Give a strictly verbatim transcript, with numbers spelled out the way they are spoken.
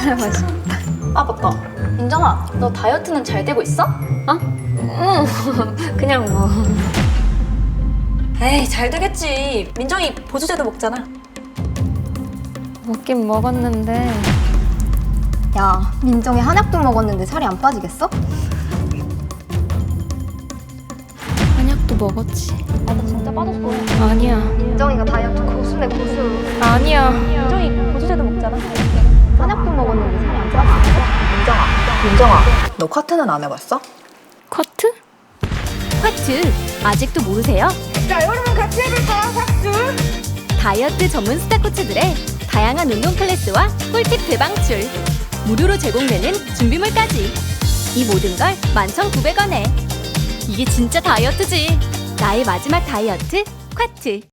맛있다. 아 맞다. 민정아, 너 다이어트는 잘 되고 있어? 어? 응. 그냥 뭐. 에이, 잘 되겠지. 민정이 보조제도 먹잖아. 먹긴 먹었는데. 야, 민정이 한약도 먹었는데 살이 안 빠지겠어? 한약도 먹었지. 아, 나 진짜 빠졌어. 아니야. 민정이가 다이어트 고수네, 고수. 아니야. 민정이 보조제도 먹잖아. 한약도 먹었는데 살이 안 빠지겠어? 민정아, 민정아, 너 쿼트는 안 해봤어? 커트? 쿼트 아직도 모르세요? 자, 여러분 같이 해볼까요, 박수? 다이어트 전문 스타 코치들의 다양한 운동 클래스와 꿀팁 대방출, 무료로 제공되는 준비물까지, 이 모든 걸 만 천구백 원에. 이게 진짜 다이어트지. 나의 마지막 다이어트 쿼트.